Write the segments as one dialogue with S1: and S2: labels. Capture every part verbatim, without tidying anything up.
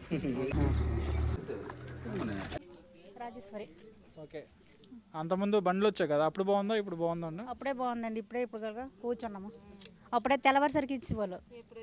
S1: Rajeshwari.
S2: Okay, అంతకుముందు బండ్లు వచ్చాయి కదా, అప్పుడు బాగుందా ఇప్పుడు బాగుందండి?
S1: అప్పుడే బాగుందండి, ఇప్పుడే ఇప్పుడు కదా కూర్చున్నాము. అప్పుడే తెల్లవారుసరికి ఇచ్చేవాళ్ళు.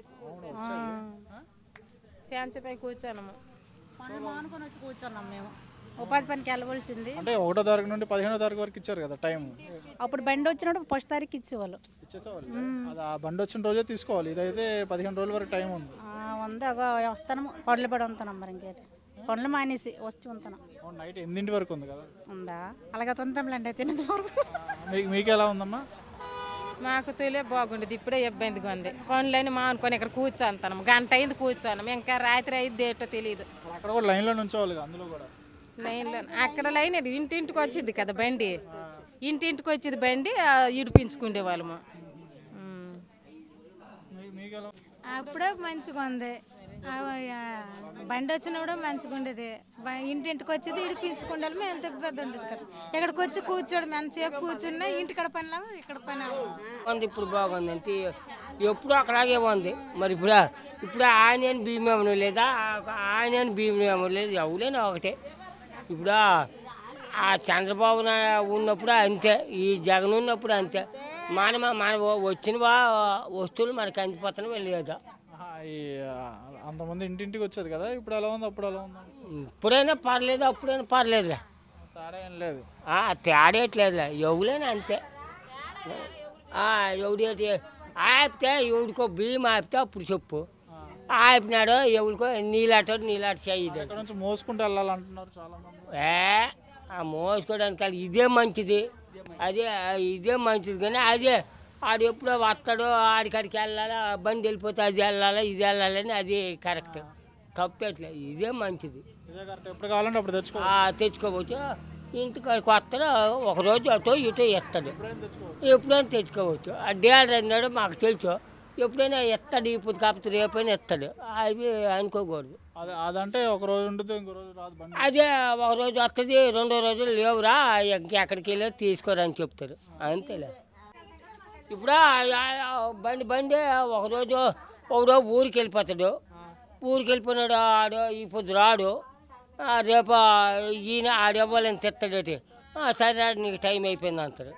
S3: శాంతిపై కూర్చున్నాము,
S1: పనులు మానుకొని వచ్చి కూర్చున్నాం మేము. ఉపాధి పనికి వెళ్ళవలసింది.
S2: అంటే ఒకటో తారీఖు నుండి పదిహేనో తారీఖు వరకు ఇచ్చారు కదా టైం.
S1: అప్పుడు బండి వచ్చినప్పుడు ఫస్ట్ తారీఖు ఇచ్చేవాళ్ళు.
S2: ఇచ్చేసేవాళ్ళు. అది ఆ బండి వచ్చిన రోజే తీసుకోవాలి. ఇదైతే పదిహేను రోజుల వరకు టైం ఉంది.
S1: ఉంది ఒక వస్తాను, పనులు పడి ఉంటున్నాం. మరి ఇంకేంటి పనులు మానేసి వచ్చి ఉంటున్నాం.
S2: నైట్ ఎనిమిదింటి వరకు ఉంది కదా?
S1: ఉందా, అలాగే తింటాంలేండి తినేది వరకు.
S2: మీకు మీకు ఎలా ఉందమ్మా?
S3: మాకు తెలియ బాగుండేది, ఇప్పుడే ఇబ్బందిగా ఉంది. పనులని మానుకొని ఇక్కడ కూర్చోంతాను, గంట అయింది కూర్చోన్నాం, ఇంకా రాత్రి అయింది ఏంటో తెలియదు.
S2: అక్కడ కూడా లైన్లో నుంచోవాలి, అందులో కూడా
S3: లైన్లో అక్కడ లైన్ ఇంటింటికి వచ్చింది కదా బండి, ఇంటింటికి వచ్చేది బండి ఇడిపించుకునే వాళ్ళము.
S4: అప్పుడే మంచిగా ఉంది, బండి వచ్చినప్పుడు మంచిగా ఉండేది. ఇంటింటికి వచ్చేది ఇడిపించుకుంటే మేము ఎంత ఇబ్బంది ఉండేది కదా. ఇక్కడికి వచ్చి కూర్చోడు, మంచిగా కూర్చున్నా ఇంటికడ పని ఇక్కడ పని
S5: ఉంది. ఇప్పుడు బాగుంది అంటే ఎప్పుడు అక్కడాగే ఉంది. మరి ఇప్పుడు ఇప్పుడు ఆయన భీమా ఏమో లేదా, ఆయన భీమా ఏమో లేదు, ఎవరైనా ఒకటే. ఇప్పుడు ఆ చంద్రబాబు ఉన్నప్పుడు అంతే, ఈ జగన్ ఉన్నప్పుడు అంతే. మన మన వచ్చిన వస్తువులు మనకి అందిపోతాను వెళ్ళేదా.
S2: అంతమంది ఇంటింటికి వచ్చేది కదా, ఇప్పుడు ఎలా ఉంది అప్పుడు ఎలా ఉంది?
S5: ఇప్పుడైనా పర్లేదు, అప్పుడైనా పర్లేదులే,
S2: తేడా ఏం లేదు.
S5: తేడేయట్లేదులే, ఎవరైనా అంతే. ఎవడేటి ఆపితే ఎవడికో బియ్యం ఆపితే అప్పుడు చెప్పు, ఆపినాడు ఎవరికో నీలాటో నీలాట చేయదు.
S2: ఇక్కడ నుంచి మోసుకుంటూ వెళ్ళాలంటున్నారు చాలా మంది.
S5: ఏ ఆ మోసుకోవడానికి ఇదే మంచిది, అదే ఇదే మంచిది. కానీ అదే ఆడు ఎప్పుడో వస్తాడో ఆడికాడికి వెళ్ళాలా, బండి వెళ్ళిపోతే అది వెళ్ళాలా ఇది వెళ్ళాలని అది కరెక్ట్, తప్పట్లే. ఇదే మంచిది,
S2: ఎప్పుడు కావాలంటే అప్పుడు తెచ్చుకో
S5: తెచ్చుకోవచ్చు. ఇంటికాడికి వస్తాడు, ఒకరోజు అటో ఇటో ఎత్తాడు, ఎప్పుడైనా తెచ్చుకోవచ్చు. ఆ డేల్ అన్నాడు మాకు తెలుసు, ఎప్పుడైనా ఎత్తాడు, ఇప్పుడు కాకపోతే రేపైనా ఎత్తాడు, అవి అనుకోకూడదు.
S2: అదే అదంటే ఒక రోజు ఉంటుంది, ఇంకో రోజు రాదు.
S5: అదే ఒక రోజు వస్తుంది, రెండో రోజు లేవురా ఎక్కడికి వెళ్ళి తీసుకోరని చెప్తారు, అంతేలే. ఇప్పుడు బండి బండి ఒకరోజు ఒకరోజు ఊరికి వెళ్ళిపోతాడు, ఊరికి వెళ్ళిపోయినాడు ఆడు, ఇప్పుడు రాడు, రేపు ఈయన ఆడవ్వాలని తెస్తాడటి, సరే నీకు టైం అయిపోయింది అంటారు.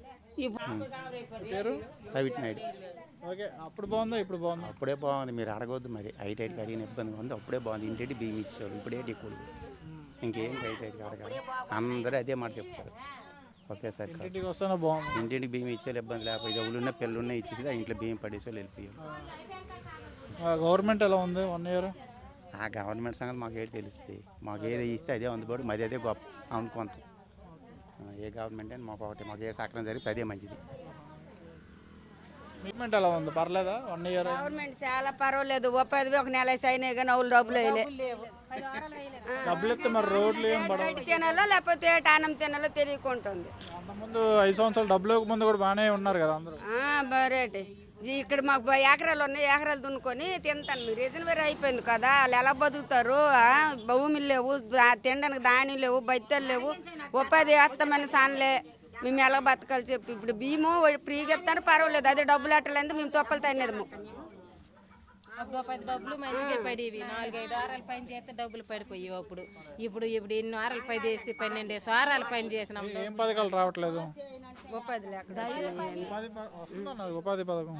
S2: పేరు
S6: రవిట్ నాయుడు.
S2: ఓకే, అప్పుడు బాగుందా ఇప్పుడు బాగుందా?
S6: అప్పుడే బాగుంది, మీరు అడగవద్దు మరి. ఐటీ ఐటీకి అడిగిన ఇబ్బంది ఉంది, అప్పుడే బాగుంది. ఇంటి బియ్యం ఇచ్చాడు, ఇప్పుడేటి ఎక్కువ, ఇంకేం ఐటీ ఐటీకి అడగాలి, అందరూ అదే మాట చెప్తారు ఒకేసారి.
S2: ఇంటికి వస్తానే బాగుంది,
S6: ఇంటింటికి బియ్యం ఇచ్చేది ఇబ్బంది లేకపోతే ఎవరున్నా పిల్లలున్నా ఇచ్చేది, ఆ ఇంట్లో బియ్యం పడేసేవాళ్ళు వెళ్ళిపోయారు.
S2: గవర్నమెంట్ ఎలా ఉంది వన్ ఇయర్?
S6: ఆ గవర్నమెంట్ సంగతి మాకు ఏది తెలుస్తుంది, మాకు ఏది ఇస్తే అదే అందుబాటు, మాది అదే గొప్ప అనుకుంటాం. ఏ గవర్నమెంట్ అని మాకు ఒకటి, మాకు ఏ సక్రం జరిగితే అదే మంచిది.
S2: గవర్నమెంట్ ఎలా ఉంది, పర్లేదా వన్ ఇయర్?
S7: గవర్నమెంట్ చాలా పర్వాలేదు, ఉపాధి ఒక నెల అయినాయి కానీ అవులు డబ్బులు వేయలే.
S2: డబ్బులు ఇస్తే మరి రోడ్లు ఏం పడవు,
S7: తినాలో లేకపోతే టానం తినాలో తెలియకుంటుంది.
S2: ముందు ఐదు సంవత్సరాలు డబ్బులు ముందు కూడా బాగానే ఉన్నారు కదా అందరూ.
S7: బరేటి ఇక్కడ మాకు ఎకరాలు ఉన్నాయి, ఎకరాలు దున్నుకొని తింటాను. మీరు రీజన్ వేరే అయిపోయింది కదా, వాళ్ళు ఎలా బతుకుతారు? భూములు లేవు, తినడానికి ధాన్యం లేవు, బత్తలు లేవు, ఉపాధి వేస్తామని సానలే, మేము ఎలా బతకాలి చెప్పి. ఇప్పుడు బియ్యము ఫ్రీగా ఇస్తాను పర్వాలేదు, అదే డబ్బులు అట్టలేదు మేము తొప్పలు తినేదము.
S3: అప్పుడు పది డబ్బులు మంచిగా పడేవి, నాలుగైదు వారాలు పని చేస్తే డబ్బులు పడిపోయేవి. అప్పుడు ఇప్పుడు ఇప్పుడు ఎన్ని వారాలు పని చేసి పన్నెండేసి వారాలు పని చేసినాం,
S2: ఏం పథకాలు రావట్లేదు.
S7: ఉపాధి లేక
S2: ఉపాధి పథకం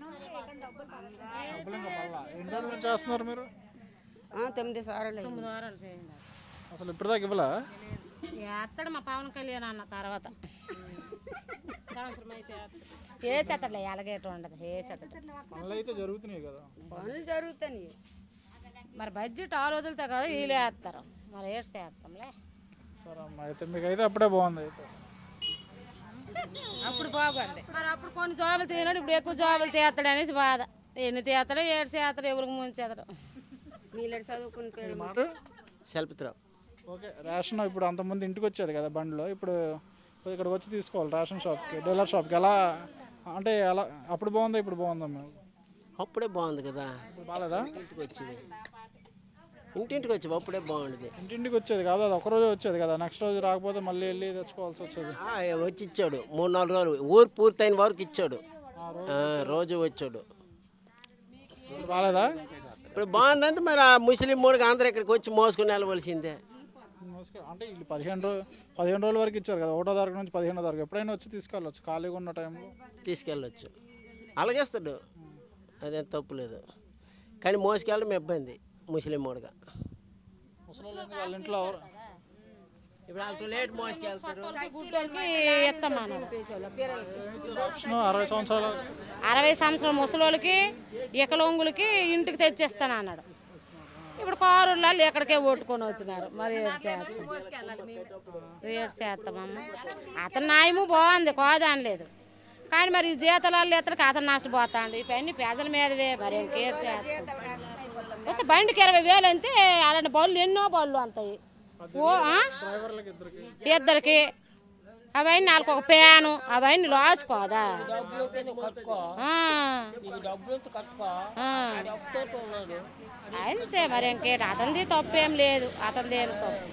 S2: ఎన్ని రోజులు చేస్తున్నారు మీరు?
S7: తొమ్మిది వారాలు
S3: తొమ్మిది వారాలు చేయండి.
S2: అసలు ఇప్పుడు దాకా ఇవ్వలా?
S3: ఎత్తడు మా పవన్ కళ్యాణ్ అన్న తర్వాత సంవత్సరం అయితే
S4: ఏ చెత్తలే ఎలాగేట ఉండదు, ఏ చెత్త
S2: పనులు అయితే జరుగుతున్నాయి కదా,
S7: పనులు జరుగుతాయి.
S3: మరి బడ్జెట్ ఆ రోజులతో కదా వీళ్ళు వేస్తారు, మరి ఏడు చేస్తాంలే.
S2: సరే అమ్మ, అయితే మీకు అయితే అప్పుడే బాగుంది. అయితే
S3: అప్పుడు బాగుంది, మరి అప్పుడు కొన్ని జాబులు తీయనాడు, ఇప్పుడు ఎక్కువ జాబులు తీస్తాడు అనేసి బాధ. ఎన్ని తీస్తాడో ఏడు చేస్తాడు, ఎవరికి ముంచేస్తాడు.
S7: నీళ్ళు చదువుకుని
S6: సెల్పుత్రావు.
S2: ఓకే, రేషన్ ఇప్పుడు అంతమంది ఇంటికి వచ్చేది కదా బండిలో, ఇప్పుడు ఇక్కడికి వచ్చి తీసుకోవాలి రేషన్ షాప్కి, డీలర్ షాప్కి. ఎలా అంటే ఎలా అప్పుడు బాగుందా ఇప్పుడు బాగుందా? మేము
S8: అప్పుడే బాగుంది కదా,
S2: బాగాలేదా?
S8: ఇంటికి వచ్చేది ఇంటింటికి వచ్చేది అప్పుడే బాగుండేది.
S2: ఇంటింటికి వచ్చేది కాదు, అది ఒకరోజు వచ్చేది కదా, నెక్స్ట్ రోజు రాకపోతే మళ్ళీ వెళ్ళి తెచ్చుకోవాల్సి వచ్చేది.
S8: వచ్చి ఇచ్చాడు, మూడు నాలుగు రోజులు ఊరు పూర్తయిన వరకు ఇచ్చాడు, రోజు వచ్చాడు.
S2: బాగాలేదా?
S8: ఇప్పుడు బాగుందంటే మరి ఆ ముస్లిం మూడుగా అందరూ ఇక్కడికి వచ్చి మోసుకుని వెళ్ళవలసిందే.
S2: మోసుకు- అంటే వీళ్ళు పదిహేను రోజు పదిహేను రోజుల వరకు ఇచ్చారు కదా, ఒకటో తారీఖు నుంచి పదిహేనో తారీఖు ఎప్పుడైనా వచ్చి తీసుకెళ్ళచ్చు ఖాళీగా ఉన్న టైంలో.
S8: తీసుకెళ్ళొచ్చు, అలాగేస్తాడు, అదేం తప్పు లేదు. కానీ మోసుకెళ్ళడం ఇబ్బంది ముస్లిం మూడుగా.
S2: ముసలి వాళ్ళు ఎందుకు వాళ్ళ ఇంట్లో ఎవరు
S8: ఇప్పుడు అంత లేట్ మోసుకెళ్తారు.
S2: ఆప్షన్ అరవై సంవత్సరాలు
S3: అరవై సంవత్సరం ముసలోళ్ళకి ఇకలొంగులకి ఇంటికి తెచ్చేస్తాను అన్నాడు. ఇప్పుడు కారుళ్ళు ఎక్కడికే ఓట్టుకొని వచ్చినారు. మరి ఏడు శాతం ఏడు శాతమమ్మ అతని న్యాయము బాగుంది, కాదనలేదు. కానీ మరి ఈ జీతాలు ఎత్తడికి అతను నష్టపోతాండు. ఇవన్నీ పేదల మీదవే, మరి ఇంకేడు శాతం వస్తే బండికి ఇరవై వేలు అంతే. అలాంటి బళ్ళు ఎన్నో బళ్ళు అంతాయి ఓ ఇద్దరికి. అవన్నీ నాలుగు ఒక ప్యాను అవన్నీ రాసుకోదా. అంతే మరి ఇంకేంటి, అతనిది తప్పేం లేదు. అతనిది ఏమి తప్పు.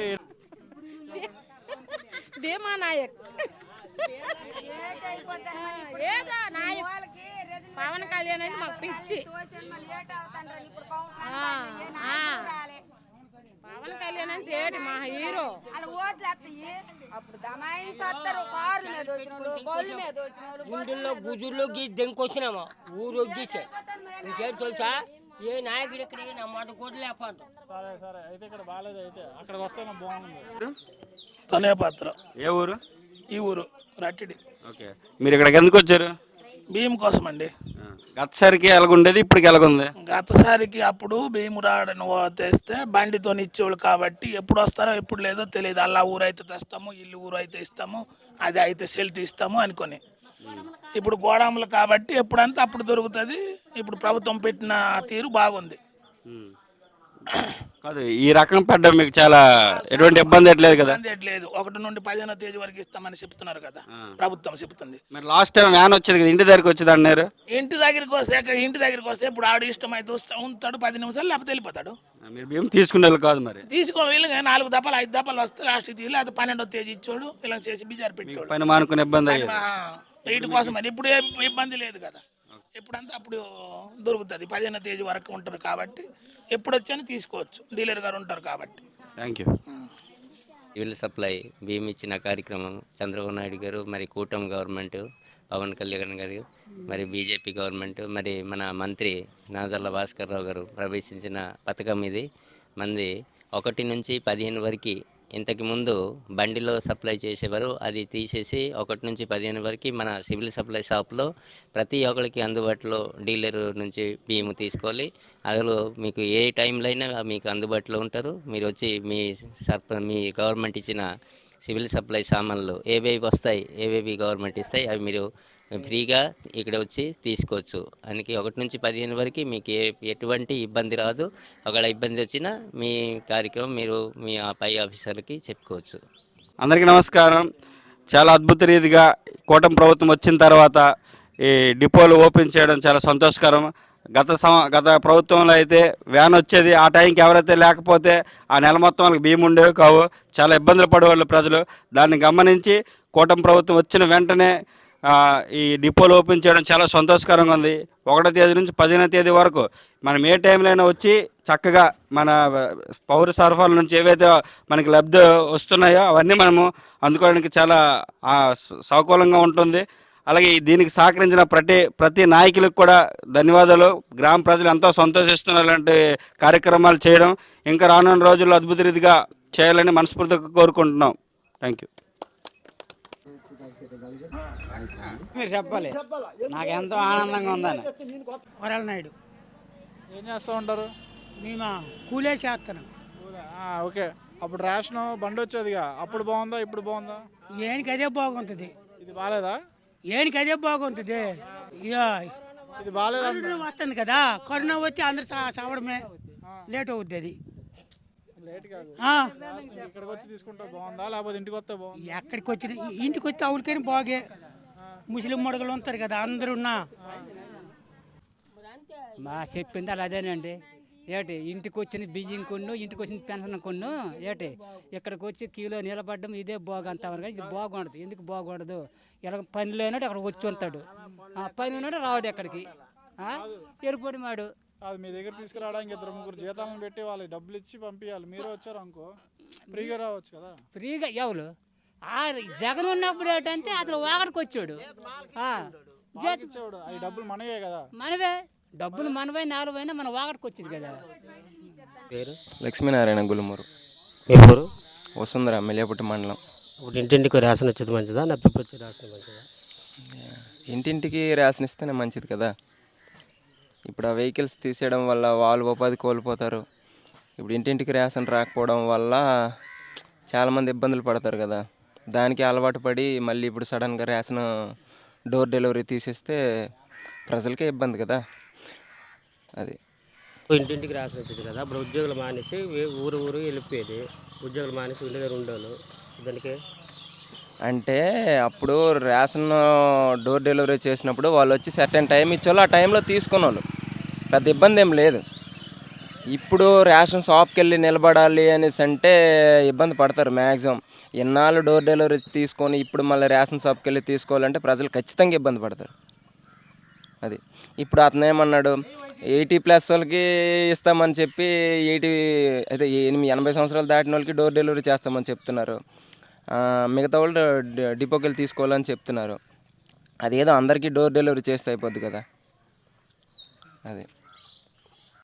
S3: భీమా నాయక్ ఏదో నాయక్ పవన్ కళ్యాణ్ అయితే మాకు పిచ్చి. పవన్ కళ్యాణ్ అంటే ఏంటి మా హీరో.
S5: గుండెల్లో గుజుల్లో గీసి దెంకొచ్చినామా ఊరు గీసే ఇంకేం తెలుసా ఏ నాయకుడు ఇక్కడ నా మాట కూడా లేపాడు.
S2: సరే సరే అయితే ఇక్కడ బాగాలేదు, అయితే అక్కడికి వస్తే బాగుంది.
S9: తనే పాత్ర.
S10: ఏ ఊరు?
S9: ఈ ఊరు రట్టిడి.
S10: ఓకే, మీరు ఇక్కడికి ఎందుకు వచ్చారు?
S9: బియ్యం కోసం అండి.
S10: గతసారికి ఎలాగుండేది, ఇప్పటికి ఎలాగుంది?
S9: గతసారికి అప్పుడు బియ్యం రాడని తెస్తే బండితో ఇచ్చేవాళ్ళు కాబట్టి ఎప్పుడు వస్తారో ఎప్పుడు లేదో తెలియదు. అలా ఊరు అయితే తెస్తాము, ఇల్లు ఊరు అయితే ఇస్తాము, అది అయితే సెల్ తీస్తాము అనుకొని. ఇప్పుడు గోడాములు కాబట్టి ఎప్పుడంతా అప్పుడు దొరుకుతుంది. ఇప్పుడు ప్రభుత్వం పెట్టిన తీరు బాగుంది.
S10: కాదు, ఈ రకం పెట్టడం మీకు చాలా ఎటువంటి ఇబ్బంది ఎట్లేదు కదా?
S9: లేదు, ఒకటి నుండి పదిహేనో తేదీ వరకు ఇస్తామని చెప్తున్నారు కదా, ప్రభుత్వం చెప్తుంది.
S10: మరి లాస్ట్ టైం వ్యాన్ వచ్చేది కదా, ఇంటి దగ్గరికి వచ్చేది అన్నారు.
S9: ఇంటి దగ్గరికి వస్తే ఇంటి దగ్గరికి వస్తే ఇప్పుడు ఆడు ఇష్టం అయితే ఉంటాడు పది నిమిషాలు, లేకపోతే వెళ్ళిపోతాడు.
S10: మీరు బియ్యం తీసుకునే వాళ్ళు కాదు మరి?
S9: తీసుకో వీళ్ళగా నాలుగు దప్పలు ఐదు దప్పలు వస్తే లాస్ట్ తీసి అది పన్నెండో తేదీ ఇచ్చోడు ఇలా చేసి బీజారు పెట్టాడు.
S10: పైన మానుకునే ఇబ్బంది అయ్యేది.
S9: వీటి కోసం మరి ఇప్పుడు ఏ ఇబ్బంది లేదు కదా, ఎప్పుడంతా అప్పుడు దొరుకుతుంది. పదిహేనో తేదీ వరకు ఉంటారు కాబట్టి ఎప్పుడు వచ్చాను తీసుకోవచ్చు, డీలర్ గారు ఉంటారు కాబట్టి.
S10: Thank you.
S11: సివిల్ సప్లై బియ్యం ఇచ్చిన కార్యక్రమం చంద్రబాబు నాయుడు గారు, మరి కూటమి గవర్నమెంట్, పవన్ కళ్యాణ్ గారు, మరి బీజేపీ గవర్నమెంట్, మరి మన మంత్రి నాదెళ్ల భాస్కర్ రావు గారు ప్రవేశించిన పథకం ఇది. మంది ఒకటి నుంచి పదిహేను వరకు ఇంతకు ముందు బండిలో సప్లై చేసేవారు, అది తీసేసి ఒకటి నుంచి పదిహేను వరకు మన సివిల్ సప్లై షాప్లో ప్రతి ఒక్కరికి అందుబాటులో డీలర్ నుంచి బియ్యం తీసుకోవాలి. అందులో మీకు ఏ టైంలో అయినా మీకు అందుబాటులో ఉంటారు. మీరు వచ్చి మీ సర్ప మీ గవర్నమెంట్ ఇచ్చిన సివిల్ సప్లై సామాన్లు ఏవేవి వస్తాయి, ఏవేవి గవర్నమెంట్ ఇస్తాయి, అవి మీరు ఫ్రీగా ఇక్కడ వచ్చి తీసుకోవచ్చు. అందుకే ఒకటి నుంచి పదిహేను వరకు మీకు ఏ ఎటువంటి ఇబ్బంది రాదు. ఒకవేళ ఇబ్బంది వచ్చినా మీ కార్యక్రమం మీరు మీ ఆ పై ఆఫీసర్కి చెప్పుకోవచ్చు.
S10: అందరికీ నమస్కారం. చాలా అద్భుత రీతిగా కూటమి ప్రభుత్వం వచ్చిన తర్వాత ఈ డిపోలు ఓపెన్ చేయడం చాలా సంతోషకరం. గత సం గత ప్రభుత్వంలో అయితే వ్యాన్ వచ్చేది, ఆ టైంకి ఎవరైతే లేకపోతే ఆ నెల మొత్తం వాళ్ళకి బియ్యం ఉండేవి కావు, చాలా ఇబ్బందులు పడేవాళ్ళు ప్రజలు. దాన్ని గమనించి కూటమి ప్రభుత్వం వచ్చిన వెంటనే ఈ డిపోలు ఓపెన్ చేయడం చాలా సంతోషకరంగా ఉంది. ఒకటో తేదీ నుంచి పదిహేనో తేదీ వరకు మనం ఏ టైంలో అయినా వచ్చి చక్కగా మన పౌర సరఫరాల నుంచి ఏవైతే మనకి లబ్ధి వస్తున్నాయో అవన్నీ మనము అందుకోవడానికి చాలా సౌకర్యంగా ఉంటుంది. అలాగే దీనికి సహకరించిన ప్రతి ప్రతి నాయకులకు కూడా ధన్యవాదాలు. గ్రామ ప్రజలు ఎంతో సంతోషిస్తున్నారు ఇలాంటి కార్యక్రమాలు చేయడం. ఇంకా రానున్న రోజుల్లో అద్భుత రీతిగా చేయాలని మనస్ఫూర్తిగా కోరుకుంటున్నాం. Thank you.
S12: మీరు చెప్పాలి, నాకు ఎంతో ఆనందంగా ఉందని.
S13: వరాల నాయుడు.
S2: ఏం చేస్తూ ఉంటారు?
S13: మేము కూలే చేస్తాను.
S2: ఓకే, అప్పుడు రేషన్ బండి వచ్చేదిగా, అప్పుడు బాగుందా ఇప్పుడు బాగుందా?
S13: ఏనికి అదే బాగుంటుంది.
S2: ఇది బాగాలేదా?
S13: ఏనికి అదే బాగుంటుంది.
S2: ఇది బాగాలేదా?
S13: వస్తుంది కదా, కరోనా వచ్చి అందరు చావడమే లేట్ అవుద్ది. అది
S2: లేట్ కాదు, ఇక్కడికి వచ్చి తీసుకుంటే బాగుందా లేకపోతే ఇంటికి వస్తే బాగుంది?
S13: ఎక్కడికి వచ్చి ఇంటికి వచ్చి అవులకని బాగే. ముస్లిం మొడగలు ఉంటారు కదా అందరున్నా.
S12: మా చెప్పింది అలా అదేనండి. ఏటి ఇంటికి వచ్చిన బియ్యం కొన్ను, ఇంటికి వచ్చిన పెన్షన్ కొన్ను, ఏటి ఇక్కడికి వచ్చి క్యూలో నిలబడడం ఇదే బాగంతవరకు. ఇది బాగుండదు. ఎందుకు బాగుండదు? ఇలా పని లేనాడు అక్కడ వచ్చి ఉంటాడు, పని ఉన్నాడు రావడు ఎక్కడికి ఎరుపడి మాడు.
S2: కాదు మీ దగ్గర తీసుకురావడానికి ఇద్దరు ముగ్గురు జీతాలను పెట్టి వాళ్ళకి డబ్బులు ఇచ్చి పంపించాలి. మీరు వచ్చారు అనుకో ఫ్రీగా రావచ్చు కదా.
S12: ఫ్రీగా ఎవరు ఆ జగన్ ఉన్నప్పుడు ఏంటంటే అతను వాగడికి వచ్చాడు.
S2: ఇచ్చేవాడు అవి డబ్బులు మనవే కదా.
S12: మనవే డబ్బులు మనవై నాలుగైనా మన వాగడికి వచ్చింది కదా.
S14: పేరు
S15: లక్ష్మీనారాయణ గులుమూరు.
S14: ఎవరు
S15: వసుంధర మెలియాపుట్టి మండలం.
S14: ఇప్పుడు ఇంటింటికి రేషన్ వచ్చేది మంచిదా లేకపోతే వచ్చే రేషన్ మంచిదా?
S15: ఇంటింటికి రేషన్ ఇస్తేనే మంచిది కదా. ఇప్పుడు ఆ వెహికల్స్ తీసేయడం వల్ల వాళ్ళు ఉపాధి కోల్పోతారు. ఇప్పుడు ఇంటింటికి రేషన్ రాకపోవడం వల్ల చాలామంది ఇబ్బందులు పడతారు కదా. దానికి అలవాటు పడి మళ్ళీ ఇప్పుడు సడన్గా రేషన్ డోర్ డెలివరీ తీసేస్తే ప్రజలకే ఇబ్బంది కదా. అది
S14: ఇంటింటికి రేషన్ వచ్చేది కదా. అప్పుడు ఉద్యోగులు మానేసి ఊరు ఊరు వెళ్ళిపోయేది. ఉద్యోగులు మానేసి ఉండే దగ్గర ఉండేవాళ్ళు. దానికి
S15: అంటే అప్పుడు రేషన్ డోర్ డెలివరీ చేసినప్పుడు వాళ్ళు వచ్చి సర్టెన్ టైం ఇచ్చేవాళ్ళు. ఆ టైంలో తీసుకునే వాళ్ళు, పెద్ద ఇబ్బంది ఏం లేదు. ఇప్పుడు రేషన్ షాప్కి వెళ్ళి నిలబడాలి అనేసి అంటే ఇబ్బంది పడతారు మ్యాక్సిమం. ఎన్నాళ్ళు డోర్ డెలివరీ తీసుకొని ఇప్పుడు మళ్ళీ రేషన్ షాప్కి వెళ్ళి తీసుకోవాలంటే ప్రజలు ఖచ్చితంగా ఇబ్బంది పడతారు. అది ఇప్పుడు అతను ఏమన్నాడు, ఎయిటీ ప్లస్ వాళ్ళకి ఇస్తామని చెప్పి ఎయిటీ అయితే ఎనిమిది ఎనభై సంవత్సరాలు దాటిన వాళ్ళకి డోర్ డెలివరీ చేస్తామని చెప్తున్నారు. మిగతా వాళ్ళు డిపోకి వెళ్ళి తీసుకోవాలని చెప్తున్నారు. అదేదో అందరికీ డోర్ డెలివరీ చేస్తే అయిపోద్ది కదా. అది